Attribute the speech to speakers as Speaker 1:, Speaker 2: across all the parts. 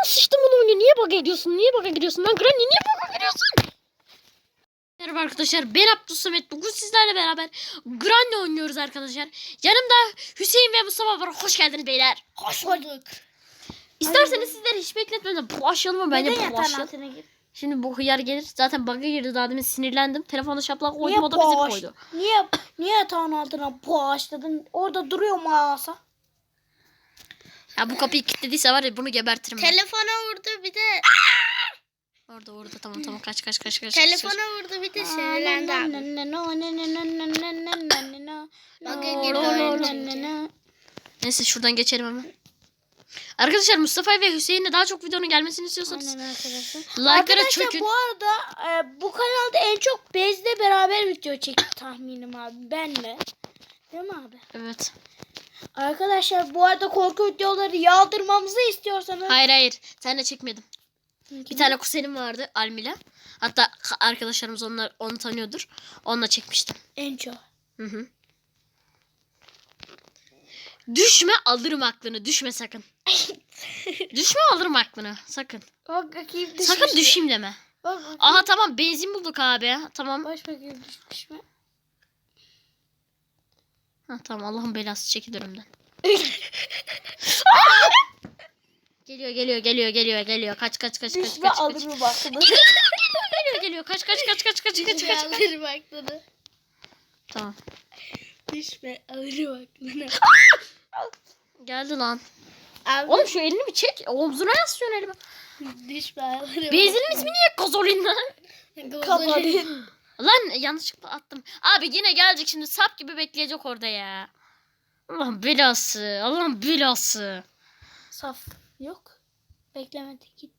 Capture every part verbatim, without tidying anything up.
Speaker 1: sıçtım bunu oyunu. Niye bug'a gidiyorsun? Niye bug'a gidiyorsun? Lan Granny niye bug'a gidiyorsun? Merhaba arkadaşlar. Ben Abdülsamet. Bugün sizlerle beraber Granny oynuyoruz arkadaşlar. Yanımda Hüseyin ve Mustafa var. Hoş geldiniz beyler.
Speaker 2: Hoş bulduk.
Speaker 1: İsterseniz sizleri hiç bekletmeden bulaşalım mı? Bence
Speaker 2: Neden yatağın
Speaker 1: bulaşalım.
Speaker 2: altına gir?
Speaker 1: Şimdi bu hıyar gelir. Zaten bug'a girdi daha demin, sinirlendim. Telefonu şaplak
Speaker 2: Niye
Speaker 1: koydum, o da bizi
Speaker 2: boş?
Speaker 1: koydu.
Speaker 2: Niye niye yatağın altına boğaçladın? Orada duruyor masa.
Speaker 1: Ya bu kapıyı kilitlediyse var ya, bunu gebertirim ben.
Speaker 3: Telefona vurdu bir de
Speaker 1: Orada orada tamam tamam kaç kaç kaç kaç.
Speaker 3: telefona
Speaker 1: kaç.
Speaker 3: vurdu bir de sinirlendi abi.
Speaker 1: Neyse şuradan geçelim hemen. Arkadaşlar Mustafa ve Hüseyin'le daha çok videonun gelmesini istiyorsanız
Speaker 2: Aynen arkadaşlar.
Speaker 1: like'lara
Speaker 2: Arkadaşlar
Speaker 1: çökün.
Speaker 2: bu arada e, bu kanalda en çok Bez'le beraber video çekti tahminim abi. Benle. Değil mi abi?
Speaker 1: Evet.
Speaker 2: Arkadaşlar bu arada korku videoları yağdırmamızı istiyorsanız.
Speaker 1: Hayır hayır. Sen de çekmedim. Bir tane kuzenim vardı, Almila. Hatta arkadaşlarımız onlar onu tanıyordur. Onunla çekmiştim.
Speaker 2: En çok.
Speaker 1: Hı hı. Düşme, alırım aklını. Düşme sakın. Düşme, alırım aklını. Sakın.
Speaker 2: Bak bakayım düşmüş
Speaker 1: Sakın
Speaker 2: mü?
Speaker 1: düşeyim deme.
Speaker 2: Bak bakayım.
Speaker 1: Aha tamam, benzin bulduk abi. Tamam.
Speaker 2: Baş bakayım düşmüş mü?
Speaker 1: Ha tamam, Allah'ın belası, çekil önümden. Geliyor geliyor geliyor geliyor geliyor. Kaç kaç kaç kaç
Speaker 2: Düşme
Speaker 1: kaç kaç.
Speaker 2: alırım baktığını.
Speaker 1: Geliyor geliyor. Kaç kaç kaç kaç kaç kaç kaç.
Speaker 3: Alır baktığını.
Speaker 1: Tamam.
Speaker 2: Düşme alırım baktığını.
Speaker 1: Geldi lan.
Speaker 2: Abi
Speaker 1: Oğlum şu elini bir çek. Omzuna yaslıyorsun elimi.
Speaker 2: düşme alırım.
Speaker 1: Benzinin ismi niye Gazolin lan?
Speaker 2: Kapadı.
Speaker 1: Lan yanlışlıkla attım. Abi yine gelecek şimdi, sap gibi bekleyecek orada ya. Allah'ın belası. Allah'ın belası.
Speaker 2: Saf. Yok. Beklemedi git.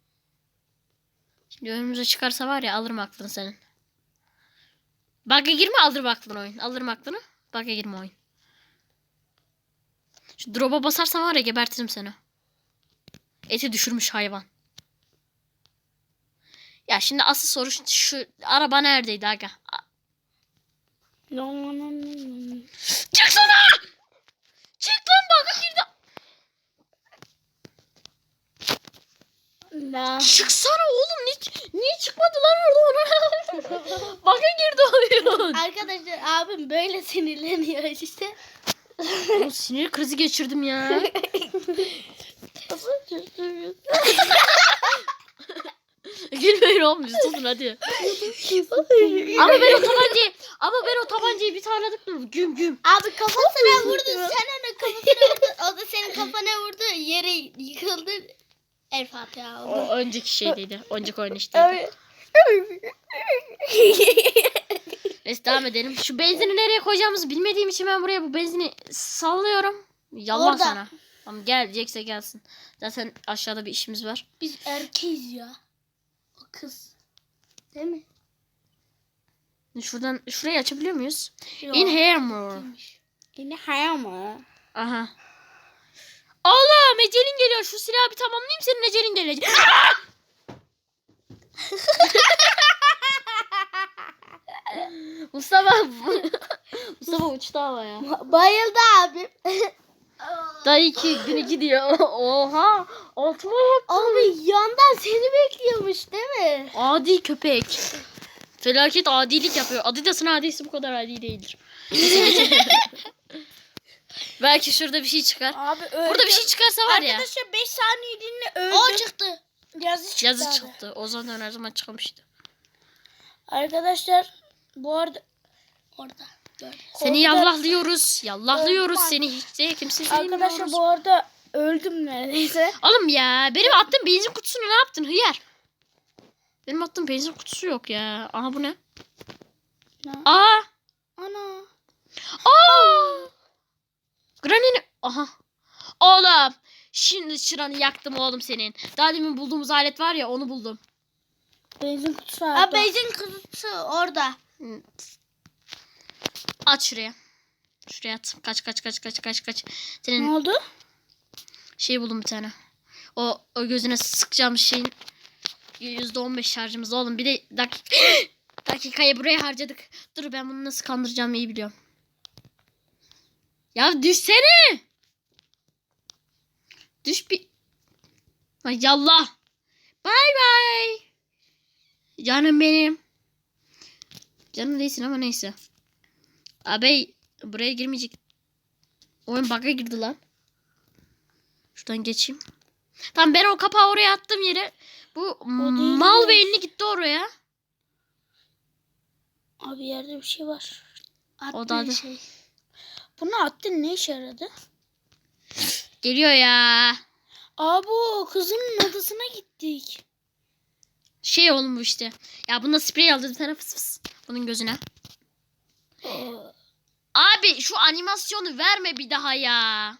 Speaker 1: Şimdi önümüze çıkarsa var ya, alırım aklını senin. Bug'a girme, alırım aklını oyun. Alırım aklını. Bug'a girme oyun. Şu drop'a basarsan var ya, gebertirim seni. Eti düşürmüş hayvan. Ya şimdi asıl soru şu, şu araba neredeydi aga? A- Çıksana! Çık lan, bug'a girdi.
Speaker 2: La.
Speaker 1: Çıksana oğlum, niye, niye çıkmadı lan orada? Bug'a girdi oyun.
Speaker 2: Arkadaşlar abim böyle sinirleniyor işte.
Speaker 1: Oğlum sinir krizi geçirdim ya. Gülmeyin oğlum, susun hadi. Ama ben o tabancayı ama ben o tabancayı bir tane tıkladım. Güm güm.
Speaker 3: Abi kafasına vurdu, sen ona kafasına vurdu. O da senin kafana vurdu, yere yıkıldı. El Fatiha oldu.
Speaker 1: O önceki şeydeydi. Önceki oyun işteydi. Neyse devam edelim. Şu benzini nereye koyacağımızı bilmediğim için ben buraya bu benzini sallıyorum. Yallah
Speaker 2: Orada.
Speaker 1: sana. Tamam, gelecekse gelsin. Zaten aşağıda bir işimiz var.
Speaker 2: Biz erkeğiz ya. O kız. Değil mi?
Speaker 1: Şuradan şurayı açabiliyor muyuz?
Speaker 2: Yok.
Speaker 1: In here more.
Speaker 2: Yine hayal mı?
Speaker 1: Aha. Allah'ım, ecelin geliyor. Şu silahı bir tamamlayayım, senin ecelin gelecek. Mustafa Mustafa uçtu havaya.
Speaker 2: Bayıldı abim.
Speaker 1: Dayı iki günü gidiyor. Oha. Altıma bak.
Speaker 2: Abi yandan seni bekliyormuş değil mi?
Speaker 1: Adi köpek. Felaket adilik yapıyor. Adidas'ın adisi bu kadar adi değildir. Belki şurada bir şey çıkar.
Speaker 2: Abi öldü.
Speaker 1: Burada bir şey çıkarsa var ya.
Speaker 2: Arkadaşlar beş saniyeliğine öldü.
Speaker 3: O çıktı.
Speaker 2: Yazı çıktı.
Speaker 1: Yazı
Speaker 2: abi.
Speaker 1: çıktı. O zaman her zaman çıkmıştı.
Speaker 2: Arkadaşlar bu arada
Speaker 3: Orada. Böyle.
Speaker 1: Seni yallahlıyoruz. Yallahlıyoruz
Speaker 2: Öldüm
Speaker 1: seni, hiç de kimse
Speaker 2: Arkadaşlar
Speaker 1: sevmiyoruz.
Speaker 2: bu arada öldüm neredeyse.
Speaker 1: Oğlum ya, benim attığım benzin kutusunu ne yaptın hıyar? Benim attığım benzin kutusu yok ya. Aha bu ne?
Speaker 2: Ne?
Speaker 1: Aa!
Speaker 2: Ana.
Speaker 1: Aa! Granny'nin... Aha. Oğlum. Şimdi çıranı yaktım oğlum senin. Daha demin bulduğumuz alet var ya, onu buldum.
Speaker 2: Benzin kutusu vardı.
Speaker 3: Abi benzin kutusu orada.
Speaker 1: At şuraya. Şuraya at. Kaç kaç kaç kaç kaç kaç.
Speaker 2: Ne
Speaker 1: Senin
Speaker 2: oldu?
Speaker 1: şey buldum bir tane. O, o gözüne sıkacağım şeyin yüzde on beş şarjımız oğlum. Bir de dakika, dakikayı buraya harcadık. Dur, ben bunu nasıl kandıracağımı iyi biliyorum. Ya düşsene. Düş bir. Ay yallah. Bay bay. Canım benim. Canım değilsin ama neyse. Abi buraya girmeyecek. Oyun bug'a girdi lan. Şuradan geçeyim. Tamam ben o kapağı oraya attım yere. Bu
Speaker 2: değil
Speaker 1: mal
Speaker 2: mi?
Speaker 1: beyinli gitti oraya.
Speaker 2: Abi yerde bir şey var.
Speaker 1: O da adı.
Speaker 2: Şey. Bunu attın, ne işe yaradı?
Speaker 1: Geliyor ya.
Speaker 2: Abi o kızının odasına gittik.
Speaker 1: Şey oğlum bu işte. Ya bunda sprey aldı bir tane fıs fıs. Bunun gözüne.
Speaker 2: Aa,
Speaker 1: Abi şu animasyonu verme bir daha ya.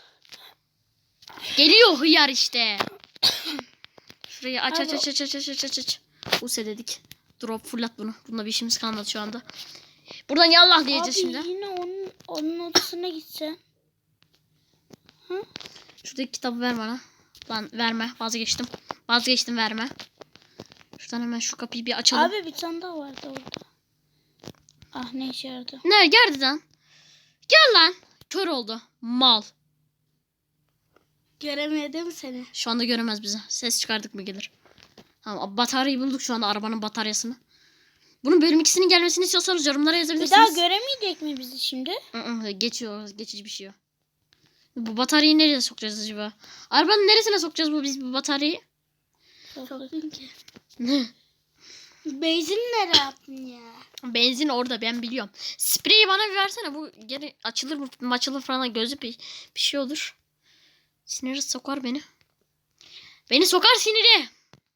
Speaker 1: Geliyor hıyar işte. Şurayı aç aç
Speaker 2: Abi-
Speaker 1: aç aç aç aç aç aç aç. Use dedik. Drop fırlat bunu. Bunda bir işimiz kalmadı şu anda. Buradan yallah diyeceğiz
Speaker 2: abi
Speaker 1: şimdi.
Speaker 2: yine onun, onun odasına gitsen.
Speaker 1: Şuradaki kitabı ver bana. Lan verme. Vazgeçtim. Vazgeçtim verme. Şuradan hemen şu kapıyı bir açalım.
Speaker 2: Abi bir tane daha vardı orada. Ah, ne işe yaradı?
Speaker 1: Ne geldi lan? Gel lan. Kör oldu. Mal.
Speaker 2: Göremedi mi seni?
Speaker 1: Şu anda göremez bizi. Ses çıkardık mı gelir. Tamam bataryayı bulduk şu anda arabanın bataryasını. Bunun bölüm ikisinin gelmesini istiyorsanız yorumlara
Speaker 2: Bir
Speaker 1: yazabilirsiniz.
Speaker 2: daha göremeyecek mi bizi şimdi?
Speaker 1: Hı-hı, geçiyor. Geçici bir şey yok. Bu bataryayı nereye sokacağız acaba? Arabanın neresine sokacağız bu biz bu bataryayı?
Speaker 2: Soktum ki. Benzin nereye attın ya?
Speaker 1: Benzin orada ben biliyorum. Spreyi bana bir versene. Bu geri açılır mı açılır falan gözü bir, bir şey olur. Siniri sokar beni. Beni sokar siniri.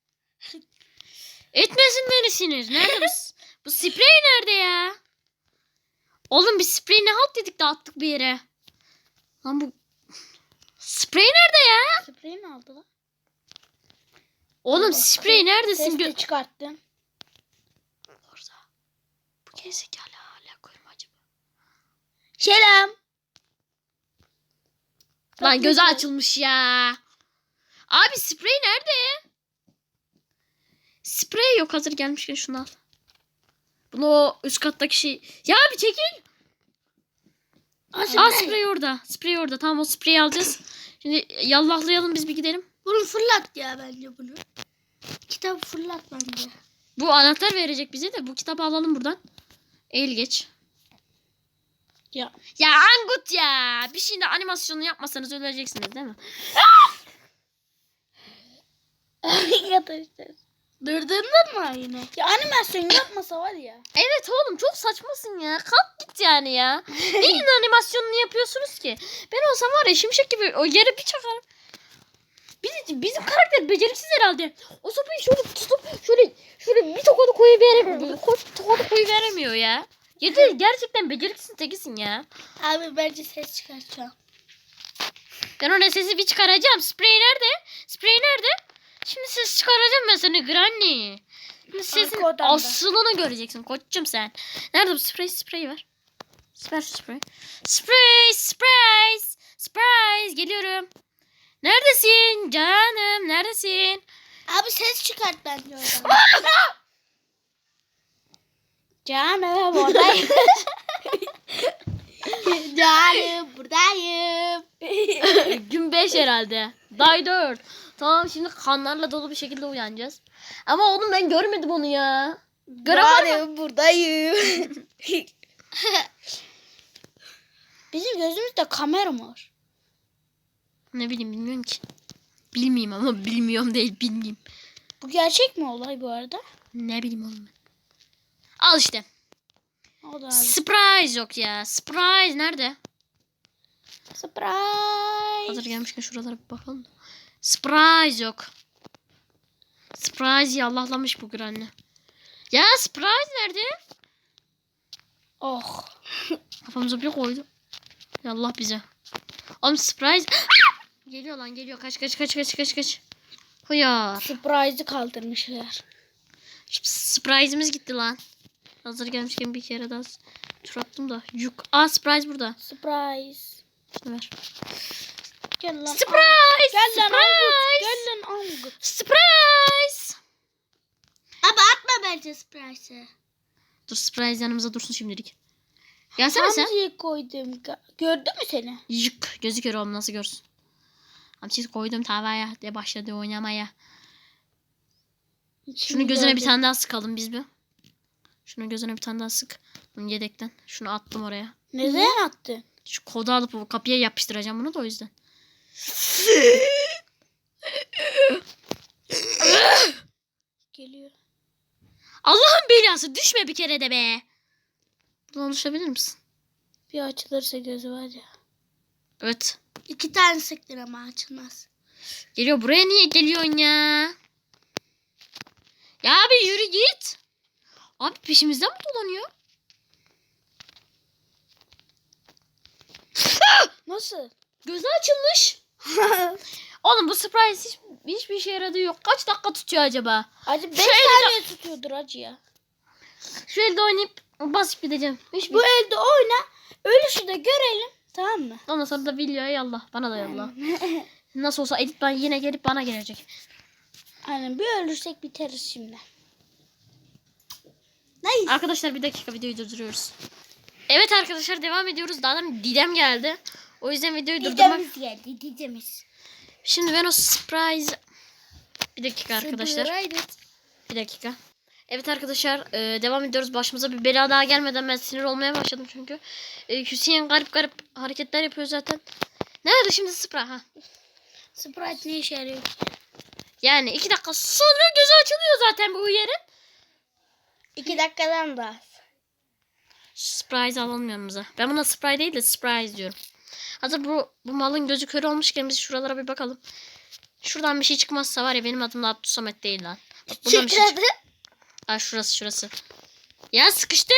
Speaker 1: Etmesin beni sinir. Nerede bu, bu sprey nerede ya? Oğlum bir sprey ne halt dedik de attık bir yere. Lan bu sprey nerede ya?
Speaker 2: Sprey mi aldı lan?
Speaker 1: Oğlum
Speaker 2: Allah,
Speaker 1: sprey neredesin?
Speaker 2: Ses de
Speaker 1: Gö-
Speaker 2: çıkarttın.
Speaker 1: Orada. Bu gezekalı hala koyma acaba.
Speaker 2: Selam.
Speaker 1: Lan gözü
Speaker 2: Bakın.
Speaker 1: açılmış ya. Abi sprey nerede? Sprey yok hazır gelmişken şunu al. Bunu o üst kattaki şey. Ya bir çekil. Aa sprey orada. Sprey orada. Tamam o spreyi alacağız. Şimdi yallahlayalım biz bir gidelim.
Speaker 2: Bunu fırlat ya bence bunu. Kitabı fırlat bence.
Speaker 1: Bu anahtar verecek bize de bu kitabı alalım buradan. Eğil geç.
Speaker 2: Ya.
Speaker 1: Ya Angut ya. Bir şeyin de animasyonunu yapmasanız öleceksiniz değil mi?
Speaker 2: Arkadaşlar. Durdurdun mu yine? Ya animasyon yapmasa var ya.
Speaker 1: Evet oğlum çok saçmasın ya. Kalk git yani ya. Neyin animasyonunu yapıyorsunuz ki? Ben olsam var ya şimşek gibi o yere bir çakarım. Bizim, bizim karakter beceriksiz herhalde. O sopayı şöyle tutup şöyle şöyle bir tokadı koyuveremiyor. Tokadı koyuveremiyor ya. Yeter gerçekten beceriksiz tekisin ya.
Speaker 2: Abi bence ses çıkartacağım.
Speaker 1: Ben ona sesi bir çıkaracağım. Sprey nerede? Sprey nerede? Şimdi ses çıkaracağım ben seni Granny. Şimdi sesin
Speaker 2: Arka odamda.
Speaker 1: aslını göreceksin koçum sen. Nerede bu sprey? Sprey var. Ver şu sprey. Sprey, sprey, sprey. Geliyorum. Neredesin canım? Neredesin?
Speaker 2: Abi ses çıkart bence oradan. Canım buradayım. Canım buradayım.
Speaker 1: Gün beş herhalde. Day dört. Tamam şimdi kanlarla dolu bir şekilde uyanacağız. Ama oğlum ben görmedim onu ya. Göremedim.
Speaker 2: Canım buradayım. Bizim gözümüzde kamera mı var?
Speaker 1: Ne bileyim bilmiyorum ki. Bilmeyeyim ama bilmiyorum değil bilmeyeyim.
Speaker 2: Bu gerçek mi olay bu arada?
Speaker 1: Ne bileyim oğlum ben. Al işte.
Speaker 2: O da abi.
Speaker 1: Surprise yok ya. Surprise nerede?
Speaker 2: Surprise.
Speaker 1: Hazır gelmişken şuralara bir bakalım. da. Surprise yok. Surprise yallahlamış bu Granny. Ya surprise nerede?
Speaker 2: Oh.
Speaker 1: Kafamıza bir koydu. Yallah bize. Oğlum surprise. Geliyor lan geliyor. Kaç kaç kaç kaç kaç kaç. Hıyar.
Speaker 2: Surprise'ı kaldırmışlar.
Speaker 1: Surprise'imiz gitti lan. Hazır gelmişken bir kere daha tur attım da. Yuk. Aa surprise burada.
Speaker 2: Surprise.
Speaker 1: Şunu ver.
Speaker 2: Gel lan.
Speaker 1: Surprise.
Speaker 2: Gel lan Angut.
Speaker 1: Surprise.
Speaker 2: Gel lan Angut.
Speaker 1: Surprise.
Speaker 2: Abi atma bence surprise'ı.
Speaker 1: Dur surprise yanımıza dursun şimdilik. Gelsene sen.
Speaker 2: Hamzi'yi koydum. Gördü mü seni?
Speaker 1: Yık. Gözü kör oğlum nasıl görsün. Hamsiyi koydum tavaya de başladı oynamaya.
Speaker 2: Şimdi
Speaker 1: Şunu gözüne bir
Speaker 2: gördüm.
Speaker 1: tane daha sıkalım biz bir. Şunu gözüne bir tane daha sık. Bunu yedekten. Şunu attım oraya.
Speaker 2: Neden attın?
Speaker 1: Şu kodu alıp o kapıya yapıştıracağım bunu da o yüzden.
Speaker 2: Geliyor.
Speaker 1: Allah'ın belası düşme bir kere de be. Buradan düşebilir misin?
Speaker 2: Bir açılırsa gözü var ya.
Speaker 1: Evet.
Speaker 3: İki tane sıktın ama açılmaz.
Speaker 1: Geliyor. Buraya niye geliyorsun ya? Ya abi yürü git. Abi peşimizden mi dolanıyor?
Speaker 2: Nasıl?
Speaker 1: Gözü açılmış. Oğlum bu surprise hiç, hiçbir işe yaradığı yok. Kaç dakika tutuyor acaba?
Speaker 2: Acı beş
Speaker 1: Şu elde-
Speaker 2: saniye tutuyordur acı ya.
Speaker 1: Şu elde oynayıp basıp gideceğim. Hiçbir...
Speaker 2: Bu elde oyna. Ölüşü de görelim. Tamam mı?
Speaker 1: Ondan sonra da videoya yallah. Bana da yallah. Nasıl olsa edit ben yine gelip bana gelecek.
Speaker 2: Aynen bir ölürsek biteriz şimdi.
Speaker 3: Nice.
Speaker 1: Arkadaşlar bir dakika videoyu durduruyoruz. Evet arkadaşlar devam ediyoruz. Daha da Didem geldi. O yüzden videoyu durdurmak.
Speaker 3: Didemiz geldi didemiz.
Speaker 1: Şimdi ben o surprise... Bir dakika arkadaşlar.
Speaker 3: Surprise.
Speaker 1: Bir dakika. Evet arkadaşlar e, devam ediyoruz. Başımıza bir bela daha gelmeden ben sinir olmaya başladım çünkü. E, Hüseyin garip garip hareketler yapıyor zaten. Nerede şimdi Sprite? Ha.
Speaker 3: Sprite ne işe yarıyor?
Speaker 1: Yani iki dakika sonra gözü açılıyor zaten bu yerin.
Speaker 3: İki dakikadan da az.
Speaker 1: Surprise alalım yanımıza. Ben buna Sprite değil de surprise diyorum. Hazır bu, bu malın gözü kör olmuşken biz şuralara bir bakalım. Şuradan bir şey çıkmazsa var ya benim adım da Abdülsamet değil lan. Bak buradan bir şey çık-
Speaker 3: Çıkradı.
Speaker 1: Aa, şurası şurası. Ya sıkıştım.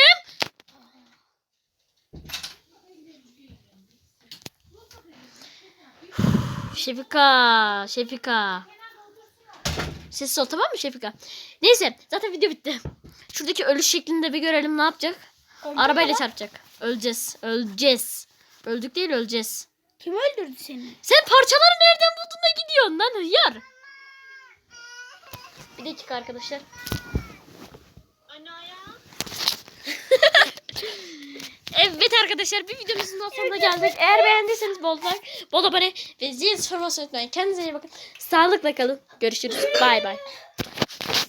Speaker 1: Şefika, Şefika. Sessiz ol tamam mı Şefika? Neyse zaten video bitti. Şuradaki ölüş şeklini de bir görelim ne yapacak? Arabayla çarpacak. Öleceğiz. Öleceğiz. Öldük değil öleceğiz.
Speaker 2: Kim öldürdü seni?
Speaker 1: Sen parçaları nereden buldun da gidiyorsun lan hıyar? Bir dakika arkadaşlar. Evet arkadaşlar bir videomuzun daha sonuna geldik. Eğer beğendiyseniz bol like, bol abone ve zil sormasını unutmayın. Kendinize iyi bakın. Sağlıkla kalın. Görüşürüz. Bay bay.